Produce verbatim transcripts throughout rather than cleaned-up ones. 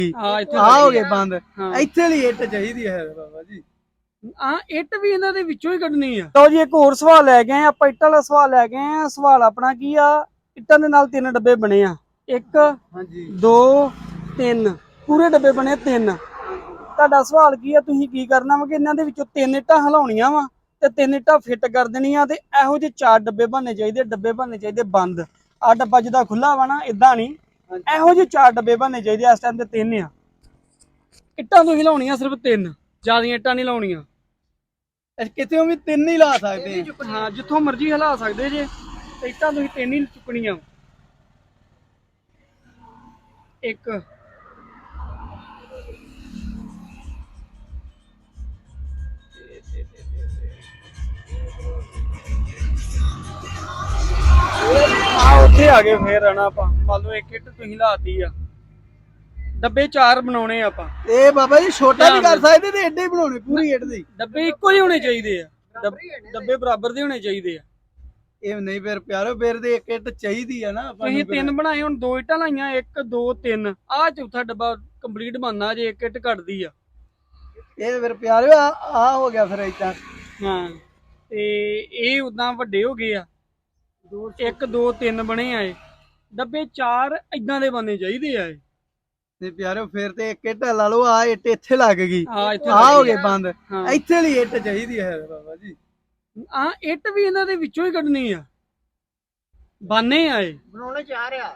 ਆ ਹੋ ਗਏ ਬੰਦ। ਇੱਥੇ ਲਈ ਇੱਟ ਚਾਹੀਦੀ ਹੈ ਬਾਬਾ ਜੀ। ਹਾਂ ਇੱਟ ਵੀ ਇਹਨਾਂ ਦੇ ਵਿੱਚੋਂ ਹੀ ਕੱਢਣੀ ਆ। ਲਓ ਜੀ ਇੱਕ ਹੋਰ ਸਵਾਲ ਲੈ ਗਏ ਆਪਾਂ, ਇੱਟਾਂ ਵਾਲਾ ਸਵਾਲ ਲੈ ਗਏ ਆ। ਸਵਾਲ ਆਪਣਾ ਕੀ ਆ, ਇੱਟਾਂ ਦੇ ਨਾਲ ਤਿੰਨ ਡੱਬੇ ਬਣੇ ਆ, ਇੱਕ ਹਾਂਜੀ ਦੋ ਤਿੰਨ, ਪੂਰੇ ਡੱਬੇ ਬਣੇ ਤਿੰਨ। ਤੁਹਾਡਾ ਸਵਾਲ ਕੀ ਆ, ਤੁਸੀਂ ਕੀ ਕਰਨਾ ਵਾ ਕਿ ਇਹਨਾਂ ਦੇ ਵਿੱਚੋਂ ਤਿੰਨ ਇੱਟਾਂ ਹਿਲਾਉਣੀਆਂ ਵਾ ਤੇ ਤਿੰਨ ਇੱਟਾਂ ਫਿੱਟ ਕਰ ਦੇਣੀਆਂ ਤੇ ਇਹੋ ਜਿਹੇ ਚਾਰ ਡੱਬੇ ਬਣਨੇ ਚਾਹੀਦੇ, ਡੱਬੇ ਬਣਨੇ ਚਾਹੀਦੇ ਬੰਦ। ਆ ਡੱਬਾ ਜਿੱਦਾਂ ਖੁੱਲਾ ਵਾ ਨਾ ਇਦਾਂ ਨਹੀਂ, ਇਹੋ ਜਿਹੇ ਚਾਰ ਡੱਬੇ ਬਣਨੇ ਚਾਹੀਦੇ। ਇਸ ਟਾਈਮ ਤੇ ਤਿੰਨ ਆ ਇੱਟਾਂ ਤੋਂ ਹਿਲਾਉਣੀਆਂ, ਸਿਰਫ ਤਿੰਨ, ਜ਼ਿਆਦੀਆਂ ਇੱਟਾਂ ਨਹੀਂ ਲਾਉਣੀਆਂ। ਕਿਤੇ ਵੀ ਤਿੰਨ ਹੀ ਲਾ ਸਕਦੇ ਆ। ਹਾਂ ਜਿੱਥੋਂ ਮਰਜ਼ੀ ਹਿਲਾ ਸਕਦੇ ਜੇ, ਤੇ ਇੱਟਾਂ ਤੁਸੀਂ ਤਿੰਨ ਹੀ ਚੁੱਕਣੀਆਂ। ਇੱਕ ਆ ਉੱਥੇ ਆ ਗਏ ਫੇਰ ਆਣਾ ਆਪਾਂ। ਮੰਨ ਲਓ ਇੱਕ ਇੱਟ ਤੁਸੀਂ ਲਾਤੀ ਆ, ਡੱਬੇ ਚਾਰ ਬਣਾਉਣੇ ਆਪਾਂ। ਇਹ ਬਾਬਾ ਜੀ ਛੋਟਾ ਵੀ ਕਰ ਸਕਦੇ ਤੇ ਏਡੇ ਹੀ ਬਣਾਉਣੇ, ਪੂਰੀ ਇੱਟ ਦੀ। ਡੱਬੇ ਇੱਕੋ ਹੀ ਹੋਣੇ ਚਾਹੀਦੇ ਆ, ਡੱਬੇ ਬਰਾਬਰ ਦੇ ਹੋਣੇ ਚਾਹੀਦੇ ਆ। ਇਹ ਨਹੀਂ ਫਿਰ ਪਿਆਰੋ, ਫਿਰ ਤੇ ਇੱਕ ਇੱਟ ਚਾਹੀਦੀ ਆ ਨਾ ਆਪਾਂ ਨੂੰ। ਤੁਸੀਂ ਤਿੰਨ ਬਣਾਏ, ਹੁਣ ਦੋ ਇੱਟਾਂ ਲਾਈਆਂ, ਇੱਕ ਦੋ ਤਿੰਨ, ਆ ਚੌਥਾ ਡੱਬਾ ਕੰਪਲੀਟ ਬਣਨਾ ਜੇ ਇੱਕ ਇੱਟ ਘਟਦੀ ਆ। ਇਹ ਫਿਰ ਪਿਆਰੋ ਆ ਆ ਹੋ ਗਿਆ ਫਿਰ ਏਦਾਂ। ਹਾਂ ਤੇ ਇਹ ਉਦਾਂ ਵੱਡੇ ਹੋ ਗਏ ਆ, ਇੱਕ ਦੋ ਤਿੰਨ ਬਣੇ ਆ। ਇਹ ਡੱਬੇ ਚਾਰ ਇਦਾਂ ਦੇ ਬਣਨੇ ਚਾਹੀਦੇ ਆ। ਤੇ ਪਿਆਰੋ ਫਿਰ ਤੇ ਇੱਕ ਇੱਟ ਲਾ ਲਓ, ਆ ਇੱਟ ਇੱਥੇ ਲੱਗ ਗਈ, ਆ ਇੱਥੇ ਆ ਹੋ ਗਏ ਬੰਦ। ਇੱਥੇ ਲਈ ਇੱਟ ਚਾਹੀਦੀ ਹੈ ਬਾਬਾ ਜੀ। ਆ ਇੱਟ ਵੀ ਇਹਨਾਂ ਦੇ ਵਿੱਚੋਂ ਹੀ ਕੱਢਣੀ ਆ, ਬਾਨੇ ਆ ਇਹ ਬਣਾਉਣੇ ਚਾਹ ਰਿਹਾ।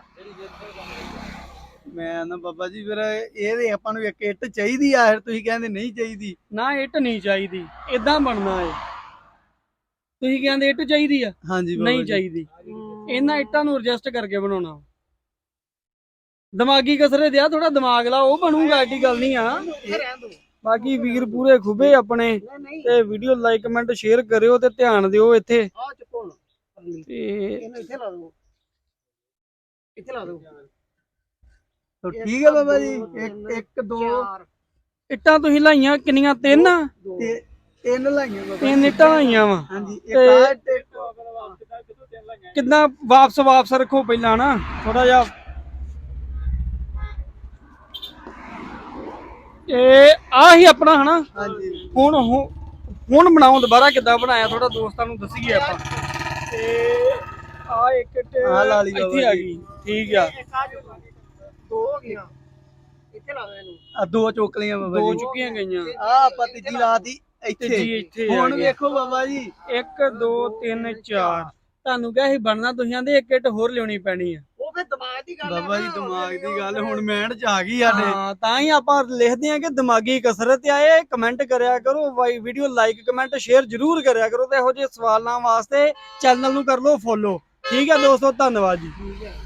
ਮੈਂ ਨਾ ਬਾਬਾ ਜੀ ਫਿਰ ਇਹਦੇ ਆਪਾਂ ਨੂੰ ਇੱਕ ਇੱਟ ਚਾਹੀਦੀ ਆ, ਫਿਰ ਤੁਸੀਂ ਕਹਿੰਦੇ ਨਹੀਂ ਚਾਹੀਦੀ। ਨਾ ਇੱਟ ਨਹੀਂ ਚਾਹੀਦੀ, ਇਦਾਂ ਬਣਨਾ ਏ। ਤੁਸੀਂ ਕਹਿੰਦੇ ਇੱਟ ਚਾਹੀਦੀ ਆ, ਹਾਂਜੀ ਨਹੀਂ ਚਾਹੀਦੀ। ਇਹਨਾਂ ਇੱਟਾਂ ਨੂੰ ਐਡਜਸਟ ਕਰਕੇ ਬਣਾਉਣਾ। ਦਿਮਾਗੀ ਕਸਰਤ ਆ, ਥੋੜਾ ਦਿਮਾਗ ਲਾ, ਉਹ ਬਣੂਗਾ, ਐਡੀ ਗੱਲ ਨਹੀਂ ਆ। ਬਾਕੀ ਵੀਰ ਪੂਰੇ ਖੁਬੇ ਆਪਣੇ, ਤੇ ਵੀਡੀਓ ਲਾਈਕ ਕਮੈਂਟ ਸ਼ੇਅਰ ਕਰਿਓ ਤੇ ਧਿਆਨ ਦਿਓ ਇੱਥੇ। ਤੇ ਇੱਥੇ ਲਾ ਦਿਓ, ਇੱਥੇ ਲਾ ਦਿਓ। ਠੀਕ ਹੈ ਬਾਬਾ ਜੀ। ਇੱਕ ਇੱਕ ਦੋ ਇੱਟਾਂ ਤੁਸੀਂ ਲਾਈਆਂ ਕਿੰਨੀਆਂ? ਤਿੰਨ ਤਿੰਨ ਲਾਈਆਂ ਬਾਬਾ, ਤਿੰਨ ਇੱਟਾਂ ਲਾਈਆਂ ਵਾ। ਹਾਂਜੀ ਕਿੱਦਾਂ ਵਾਪਸ ਵਾਪਸ ਰੱਖੋ ਪਹਿਲਾਂ ਨਾ ਥੋੜਾ ਜਿਹਾ। ਇਹ ਆ ਹੀ ਆਪਣਾ ਹਨਾ। ਹਾਂਜੀ ਹੁਣ ਹੁਣ ਬਣਾਓ ਦੁਬਾਰਾ, ਕਿੱਦਾਂ ਬਣਾਇਆ ਥੋੜਾ ਦੋਸਤਾਂ ਨੂੰ ਦੱਸੀਏ ਆਪਾਂ। ਤੇ ਆ ਇੱਕ ਇੱਟ ਇੱਥੇ ਆ ਗਈ, ਠੀਕ ਆ। ਦੋ ਹੋ ਗਈਆਂ, ਇੱਥੇ ਲਾ ਦੇ ਇਹਨੂੰ। ਆ ਦੋ ਚੁੱਕ ਲਈਆਂ ਬਾਬਾ ਜੀ, ਦੋ ਚੁੱਕੀਆਂ ਗਈਆਂ। ਆ ਆਪਾਂ ਤੀਜੀ ਲਾਤੀ ਇੱਥੇ। ਇੱਥੇ ਹੁਣ ਵੇਖੋ ਬਾਬਾ ਜੀ, ਇੱਕ ਦੋ ਤਿੰਨ ਚਾਰ। ਤੁਹਾਨੂੰ ਕਿਹਾ ਸੀ ਬਣਨਾ, ਤੁਸੀਂ ਆਂਦੇ ਇੱਕ ਇੱਟ ਹੋਰ ਲਿਆਉਣੀ ਪੈਣੀ ਆ। ਉਹ ਫੇ ਦਿਮਾਗ ਦੀ ਗੱਲ ਬਾਬਾ ਜੀ, ਦਿਮਾਗ ਦੀ ਗੱਲ ਹੁਣ ਮੈਂਡ ਚ ਆ ਗਈ ਸਾਡੇ। ਹਾਂ ਤਾਂ ਹੀ ਆਪਾਂ ਲਿਖਦੇ ਆ ਕਿ ਦਿਮਾਗੀ ਕਸਰਤ ਆ ਇਹ। ਕਮੈਂਟ ਕਰਿਆ ਕਰੋ, ਵੀਡੀਓ ਲਾਈਕ ਕਮੈਂਟ ਸ਼ੇਅਰ ਜ਼ਰੂਰ ਕਰਿਆ ਕਰੋ, ਤੇ ਇਹੋ ਜਿਹੇ ਸਵਾਲਾਂ ਵਾਸਤੇ ਚੈਨਲ ਨੂੰ ਕਰ ਲਓ ਫੋਲੋ। ਠੀਕ ਹੈ ਦੋਸਤੋ, ਧੰਨਵਾਦ ਜੀ।